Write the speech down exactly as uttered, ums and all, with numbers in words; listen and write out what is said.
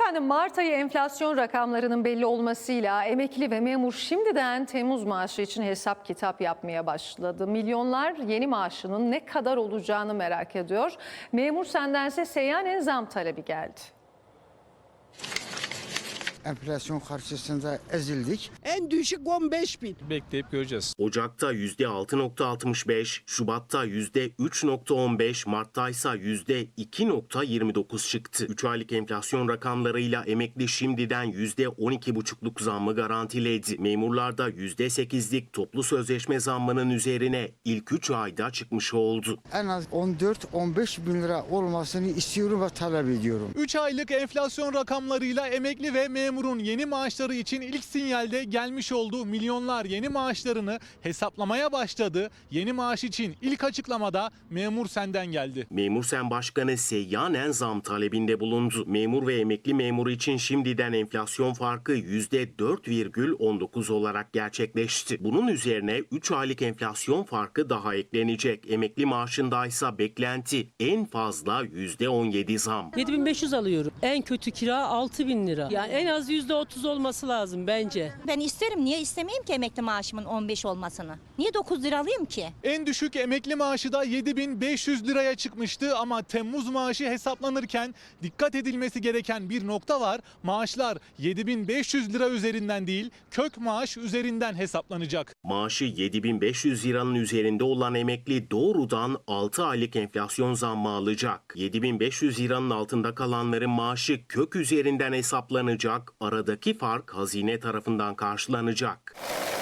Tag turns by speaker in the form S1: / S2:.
S1: Efendim Mart ayı enflasyon rakamlarının belli olmasıyla emekli ve memur şimdiden Temmuz maaşı için hesap kitap yapmaya başladı. Milyonlar yeni maaşının ne kadar olacağını merak ediyor. Memur sendense seyyanen zam talebi geldi.
S2: Enflasyon karşısında ezildik.
S3: En düşük on beş bin.
S4: Bekleyip göreceğiz.
S5: Ocak'ta yüzde altı nokta altmış beş, Şubat'ta yüzde üç nokta on beş, Mart'ta ise yüzde iki nokta yirmi dokuz çıktı. üç aylık enflasyon rakamlarıyla emekli şimdiden yüzde on iki buçukluk zammı garantiledi. Memurlarda yüzde sekizlik toplu sözleşme zammının üzerine ilk üç ayda çıkmış oldu.
S2: En az on dört on beş bin lira olmasını istiyorum ve talep ediyorum.
S4: üç aylık enflasyon rakamlarıyla emekli ve memurun yeni maaşları için ilk sinyalde gelmiş olduğu milyonlar yeni maaşlarını hesaplamaya başladı. Yeni maaş için ilk açıklamada Memur Sen'den geldi.
S5: Memur Sen Başkanı seyyanen zam talebinde bulundu. Memur ve emekli memuru için şimdiden enflasyon farkı yüzde dört virgül on dokuz olarak gerçekleşti. Bunun üzerine üç aylık enflasyon farkı daha eklenecek. Emekli maaşındaysa beklenti en fazla yüzde on yedi zam.
S6: yedi bin beş yüz alıyorum. En kötü kira altı bin lira. Yani en az yüzde otuz olması lazım bence.
S7: Ben isterim. Niye istemeyeyim ki emekli maaşımın on beş olmasını? Niye dokuz lira alayım ki?
S4: En düşük emekli maaşı da yedi bin beş yüz liraya çıkmıştı ama Temmuz maaşı hesaplanırken dikkat edilmesi gereken bir nokta var. Maaşlar yedi bin beş yüz lira üzerinden değil, kök maaş üzerinden hesaplanacak.
S5: Maaşı yedi bin beş yüz liranın üzerinde olan emekli doğrudan altı aylık enflasyon zammı alacak. yedi bin beş yüz liranın altında kalanların maaşı kök üzerinden hesaplanacak. Aradaki fark hazine tarafından karşılanacak.